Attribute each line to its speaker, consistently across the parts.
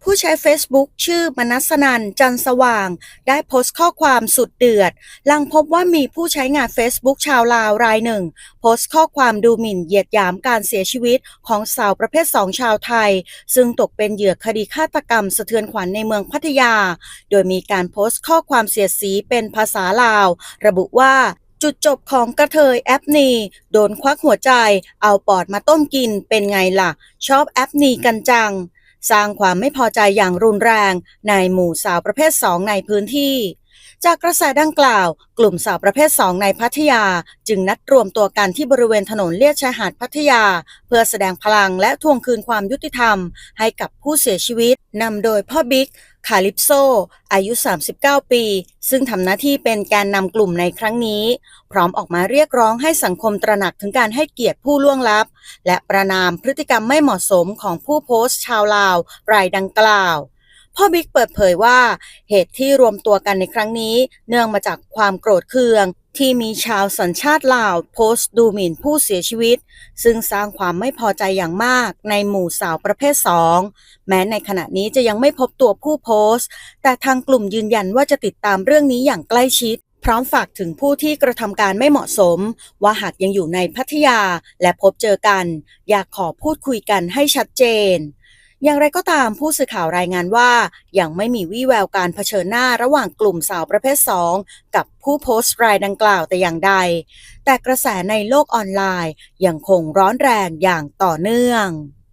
Speaker 1: ผู้ใช้ Facebook ชื่อมนัสนันท์จันทร์สว่างได้โพสต์ข้อความสุดเดือดหลังพบว่ามีผู้ใช้งาน Facebook ชาวลาวรายหนึ่งโพสต์ข้อความดูหมิ่นเหยียดหยามการเสียชีวิตของสาวประเภท 2 ชาวไทยซึ่งตกเป็นเหยื่อคดีฆาตกรรมสะเทือนขวัญในเมืองพัทยาโดยมีการโพสต์ข้อความเสียดสีเป็นภาษาลาวระบุว่าจุดจบของกระเทยแอปนีโดนควักหัวใจเอาปอดมาต้มกินเป็นไงล่ะชอบแอปนีกันจังสร้างความไม่พอใจอย่างรุนแรงในหมู่สาวประเภท 2 ในพื้นที่จากกระแสดังกล่าวกลุ่มสาวประเภท 2 ในพัทยาจึงนัดรวมตัวกันที่บริเวณถนนเลียบชายหาดพัทยาเพื่อแสดงพลังและทวงคืนความยุติธรรมให้กับผู้เสียชีวิตนำโดยพ่อบิ๊กคาลิปโซอายุ39ปีซึ่งทำหน้าที่เป็นแกนนำกลุ่มในครั้งนี้พร้อมออกมาเรียกร้องให้สังคมตระหนักถึงการให้เกียรติผู้ล่วงลับและประณามพฤติกรรมไม่เหมาะสมของผู้โพสต์ชาวลาวรายดังกล่าวพ่อบิ๊กเปิดเผยว่าเหตุที่รวมตัวกันในครั้งนี้เนื่องมาจากความโกรธเคืองที่มีชาวสัญชาติลาวโพสต์ดูหมิ่นผู้เสียชีวิตซึ่งสร้างความไม่พอใจอย่างมากในหมู่สาวประเภท 2แม้ในขณะนี้จะยังไม่พบตัวผู้โพสต์แต่ทางกลุ่มยืนยันว่าจะติดตามเรื่องนี้อย่างใกล้ชิดพร้อมฝากถึงผู้ที่กระทำการไม่เหมาะสมว่าหากยังอยู่ในพัทยาและพบเจอกันอยากขอพูดคุยกันให้ชัดเจนอย่างไรก็ตามผู้สื่อข่าวรายงานว่ายังไม่มีวี่แววการเผชิญหน้าระหว่างกลุ่มสาวประเภท 2กับผู้โพสต์รายดังกล่าวแต่อย่างใดแต่กระแสในโลกออนไลน์ยังคงร้อนแรงอย่างต่อเนื่อง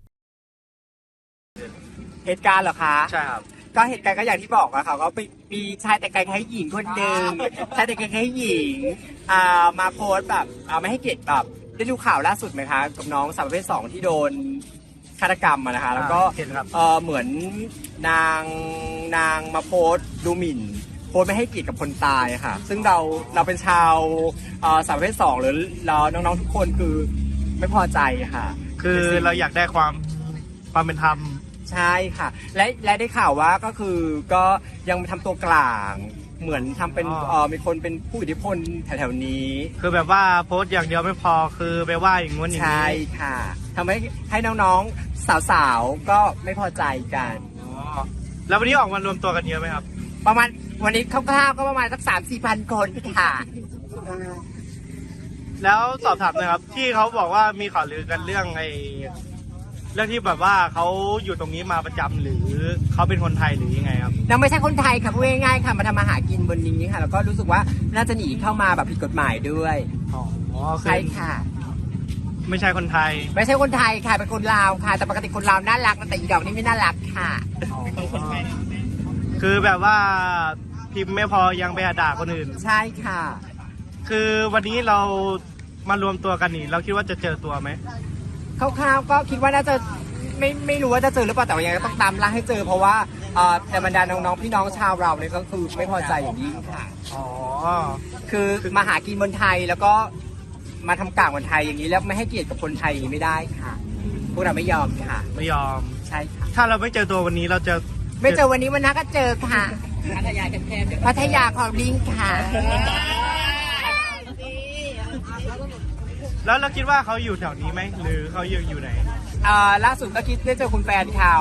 Speaker 2: เหตุการณ์เหรอคะ
Speaker 3: ใช่ครับ
Speaker 2: ก็เหตุการณ์ก็อย่างที่บอกอะค่ะก็มีชายแต่งกายคล้ายหญิงคนหนึ่งชายแต่งกายคล้ายหญิงมาโพสต์แบบไม่ให้เกียรติแบบได้ดูข่าวล่าสุดไหมคะกับน้องสาวประเภท 2ที่โดนฆาตกรรมอะนะคะแล้วก็เหมือนนางมาโพสต์ดูหมิ่นโพสต์ไม่ให้เกียรติกับคนตายค่ะซึ่งเราเป็นชาวสาวประเภท 2หรือเราน้องๆทุกคนคือไม่พอใจค่ะ
Speaker 3: คือเราอยากได้ความเป็นธรรม
Speaker 2: ใช่ค่ะและได้ข่าวว่าก็คือก็ยังทำตัวกลางเหมือนทำเป็นมีคนเป็นผู้อิทธิพลแถวๆนี้
Speaker 3: คือแบบว่าโพสต์อย่างเดียวไม่พอคือไปว่าอย่างงู้นอย่างนี้
Speaker 2: ใช่ค่ะทำให้น้องๆสาวๆก็ไม่พอใจกัน
Speaker 3: แล้ววันนี้ออกมารวมตัวกันเยอะไหมครับ
Speaker 2: ประมาณวันนี้คร่าวๆก็ประมาณสัก 3-4 พันคนค่ะ
Speaker 3: แล้วสอบถามนะครับที่เขาบอกว่ามีข่าวลือกันเรื่องที่แบบว่าเขาอยู่ตรงนี้มาประจำหรือเขาเป็นคนไทยหรือยังไงครับ
Speaker 2: เราไม่ใช่คนไทยค่ะพูดง่ายๆค่ะมาทำมาหากินบนนี้ค่ะแล้วก็รู้สึกว่าน่าจะหนีเข้ามาแบบผิดกฎหมายด้วยใช่ค่ะ
Speaker 3: ไม่ใช่คนไทย
Speaker 2: ไม่ใช่คนไทยค่ะเป็นคนลาวค่ะแต่ปกติคนลาวน่ารักแต่อีดอกนี่ไม่น่ารักค่ะ
Speaker 3: คือแบบว่าพิมพ์ไม่พอยังไปด่าคนอื่น
Speaker 2: ใช่ค่ะ
Speaker 3: คือวันนี้เรามารวมตัวกันนี่เราคิดว่าจะเจอตัวไหม
Speaker 2: คร่าวๆก็คิดว่าน่าจะไม่รู้ว่าจะเจอหรือเปล่าแต่ว่ายังต้องตามล่าให้เจอเพราะว่าแต่บรรดาน้องๆพี่น้องชาวเราเนี่ยก็คือไม่พอใจอย่างยิ่งค่ะคือมาหากินบนไทยแล้วก็มาทำกลางบนไทยอย่างนี้แล้วไม่ให้เกียรติกับคนไทยไม่ได้ค่ะพวกเราไม่ยอมค่ะ
Speaker 3: ไม่ยอม
Speaker 2: ใช่ค่ะ
Speaker 3: ถ้าเราไม่เจอตัววันนี้เราจะ
Speaker 2: ไม่เจอวันนี้วันหน้าก็เจอค่ะพัทยาแคบๆพัทยาของลิงค่ะ
Speaker 3: แล้วเราคิดว่าเขาอยู่แถวนี้ไหมหรือเขาอยู่ไหน
Speaker 2: ล่าสุดก็คิดได้เจอคุณแฟนเขา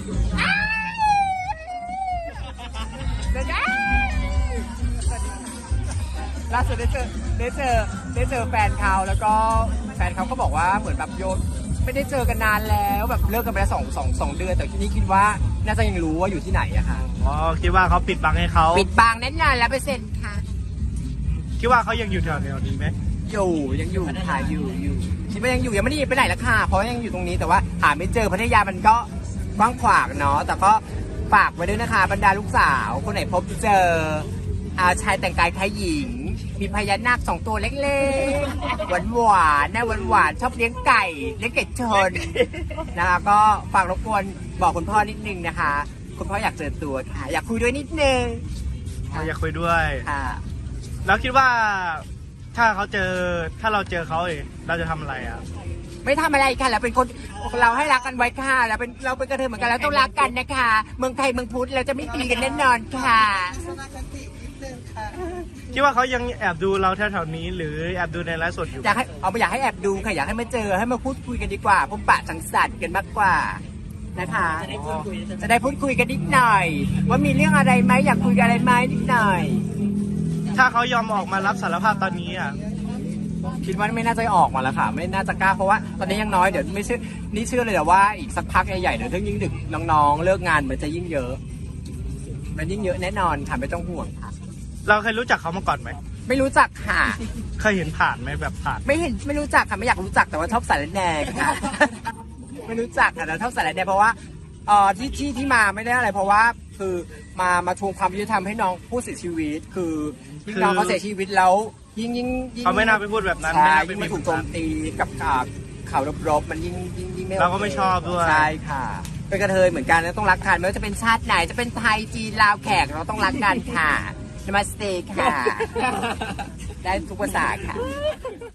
Speaker 2: ล่าสุดได้เจอแฟนเขาแล้วก็แฟนเขาก็บอกว่าเหมือนแบบโยนไม่ได้เจอกันนานแล้วแบบเลิกกันไปแล้วสองเดือนแต่ที่นี่คิดว่าน่าจะยังรู้ว่าอยู่ที่ไหนอะค่ะ
Speaker 3: คิดว่าเขาปิดบังให้เขา
Speaker 2: ปิดบังแน่นอนแล้ว100%ค่ะ
Speaker 3: คิดว่าเขายังอยู่แถวนี้ไหม
Speaker 2: ยังอยู่ค่ะอยู่คิดว่ายังอยู่ยังไม่ได้ไปไหนละค่ะเพราะยังอยู่ตรงนี้แต่ว่าหาไม่เจอพัทยามันก็กว้างขวางเนาะแต่ก็ฝากไว้ด้วยนะคะบรรดาลูกสาวคนไหนพบเจอชายแต่งกายคล้ายหญิงมีพญานาค2 ตัวเล็กๆหวานนะหวานชอบเลี้ยงไก่ชนนะคะก็ฝากรบกวนบอกคุณพ่อนิดนึงนะคะคุณพ่ออยากเจอตัวค่ะอยากคุยด้วยนิดนึง
Speaker 3: อยากคุยด้วย
Speaker 2: ค่ะ
Speaker 3: แล้วคิดว่าถ้าเราเจอเขาเราจะทำอะไรอ่ะ
Speaker 2: ไม่ทำอะไรค่ะเราเป็นคนเราให้รักกันไว้ค่ะเราเป็นกระเทยเหมือนกันแล้วต้องรักกันนะคะเมืองไทยเมืองพุทธเราจะไม่ตีกันแน่นอนค่ะ
Speaker 3: คิดว่าเขายังแอบดูเราแถวๆนี้หรือแอบดูในไลฟ์สดอยู่
Speaker 2: อยากให้แอบดูค่ะอยากให้มาเจอให้มาพูดคุยกันดีกว่าพบปะสังสรรค์กันมากกว่านะคะ จะได้พูดคุยกันนิดหน่อย ว่ามีเรื่องอะไรไหมอยากคุยกันอะไรไหมนิดหน่อย
Speaker 3: ถ้าเขายอมออกมารับสารภาพตอนนี้อ่ะ
Speaker 2: คิดว่าไม่น่าจะออกมาแล้วค่ะ ไม่น่าจะกล้าเพราะว่าตอนนี้ยังน้อยเดี๋ยวไม่เชื่อนี่เชื่อเลยแต่ว่าอีกสักพักใหญ่ๆเดี๋ยวถ้ายิ่งดึกน้องๆเลิกงานมันจะยิ่งเยอะ มันยิ่งเยอะแน่นอนค่ะไม่ต้องห่วงค่ะ
Speaker 3: เราเคยรู้จักเขามาก่อนไหม
Speaker 2: ไม่รู้จักค่ะ
Speaker 3: เคยเห็นผ่านไหมแบบผ่าน
Speaker 2: ไม่รู้จักค่ะไม่อยากรู้จักแต่ว่าชอบสารแหน่ค่ะ ไม่รู้จักค่ะแต่ชอบสารแหน่เพราะว่าที่มาไม่ได้อะไรเพราะว่าคือมาทวงความยุติธรรมให้น้องผู้เสียชีวิตคือที่น้องเขาเสียชีวิตแล้วยิ่ง
Speaker 3: เขาไม่น่าไปพูดแบบนั้น
Speaker 2: ใช่
Speaker 3: ไม่น่าไป
Speaker 2: ยิ่ง
Speaker 3: มี
Speaker 2: มาถูกโจมตีกับข่าวรบๆมันยิ่งไม่โอค
Speaker 3: เราก็ไม่ชอบด้วย
Speaker 2: ใช่ค่ะ เป็นกระเทยเหมือนกันนะต้องรักกันไม่ว่าจะเป็นชาติไหนจะเป็นไทยจีนลาวแขกเราต้องรักกันค่ะนมัสเตค่ะ ได้ทุกภาษาค่ะ